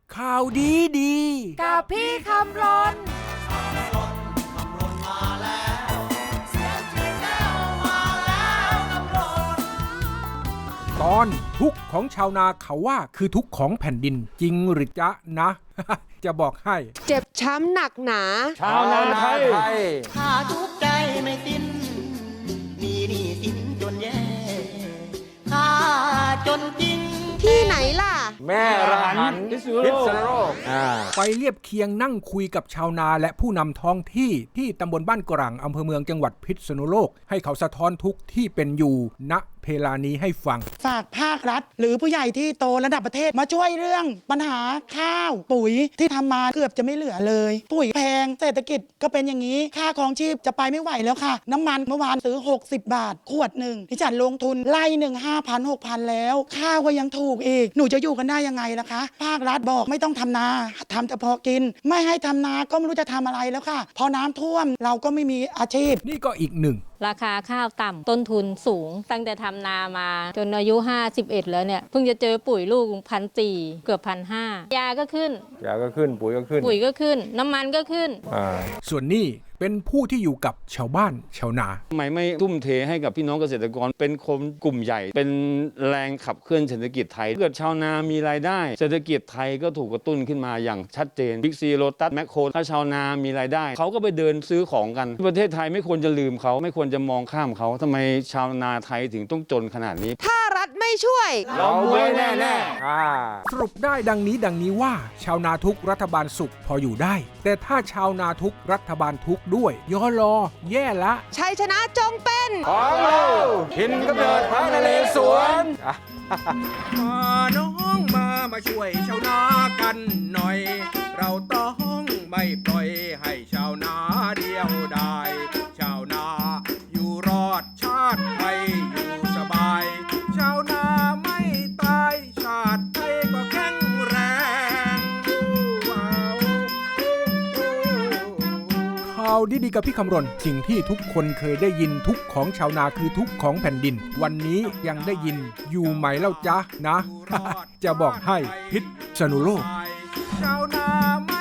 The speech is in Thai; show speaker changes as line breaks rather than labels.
ข่าวดีดี
กับพี่คำรน
ตอนทุกข์ของชาวนาเขาว่าคือทุกข์ของแผ่นดินจริงหรือจ๊ะนะ จะบอกให้
เจ็บช้ำหนักหนา
ชาวนาไทย
ข้าทุกข์ใจไม่สิ้นมีหนี้สินจนแย่ข้าจนจริง
ที่ไหนล่ะ
แม่ระหันพิษณุโลก
ไปเรียบเคียงนั่งคุยกับชาวนาและผู้นำท้องที่ตำบลบ้านกรังอำเภอเมืองจังหวัดพิษณุโลกให้เขาสะท้อนทุกข์ที่เป็นอยู่ณเวลานี้ให้ฟัง
ฝากภาครัฐหรือผู้ใหญ่ที่โตระดับประเทศมาช่วยเรื่องปัญหาข้าวปุ๋ยที่ทำมาเกือบจะไม่เหลือเลยปุ๋ยแพงเศรษฐกิจก็เป็นอย่างนี้ค่าครองชีพจะไปไม่ไหวแล้วค่ะน้ำมันเมื่อวานซื้อ60 บาทขวดหนึ่งที่จัดลงทุนไล่หนึ่ง5,000 6,000แล้วข้าวก็ยังถูกอีกหนูจะอยู่กันได้ยังไงล่ะคะภาครัฐบอกไม่ต้องทำนาทำแต่พอกินไม่ให้ทำนาก็ไม่รู้จะทำอะไรแล้วค่ะพอน้ำท่วมเราก็ไม่มีอาชีพ
นี่ก็อีกหนึ่ง
ราคาข้าวต่ำต้นทุนสูงตั้งแต่ทำนามาจนอายุ51แล้วเนี่ยเพิ่งจะเจอปุ๋ยลูก1,400เกือบ1,500ยาก็ขึ้น
ปุ๋ยก็
ขึ้นน้ำมันก็ขึ้น
ส่วนนี้เป็นผู้ที่อยู่กับชาวบ้านชาวนา
ทำไมไม่ทุ่มเทให้กับพี่น้องเกษตรกรเป็นคนกลุ่มใหญ่เป็นแรงขับเคลื่อนเศรษฐกิจไทยเกิดชาวนามีรายได้เศรษฐกิจไทยก็ถูกกระตุ้นขึ้นมาอย่างชัดเจนบิ๊กซีโลตัสแมคโครถ้าชาวนามีรายได้เขาก็ไปเดินซื้อของกันประเทศไทยไม่ควรจะลืมเขาไม่ควรจะมองข้ามเขาทำไมชาวนาไทยถึงต้องจนขนาดนี้
ถ้ารัฐไม่ช่วย
เราไม่แน่
สรุปได้ดังนี้ว่าชาวนาทุกรัฐบาลสุขพออยู่ได้แต่ถ้าชาวนาทุกรัฐบาลทุกด้วยย่อรอแย่ละ
ชัยชนะจงเป็น
ของเราหินกำเนิดพระนเรศวร
น้องมาช่วยชาวนากันหน่อยเราต้องไม่ปล่อยให้ชาวนาเดียวดายชาวนาอยู่รอดชาติไทยอยู่สบายชาวนาไม่ตายชาติไทยก็แข็งแรงข่าวดีๆกับพี่คำรณสิ่งที่ทุกคนเคยได้ยินทุกของชาวนาคือทุกของแผ่นดินวันนี้ยังได้ยินอยู่ไหมเล่าจ๊ะนะ จะบอกให้พิษณุโลกชาวนา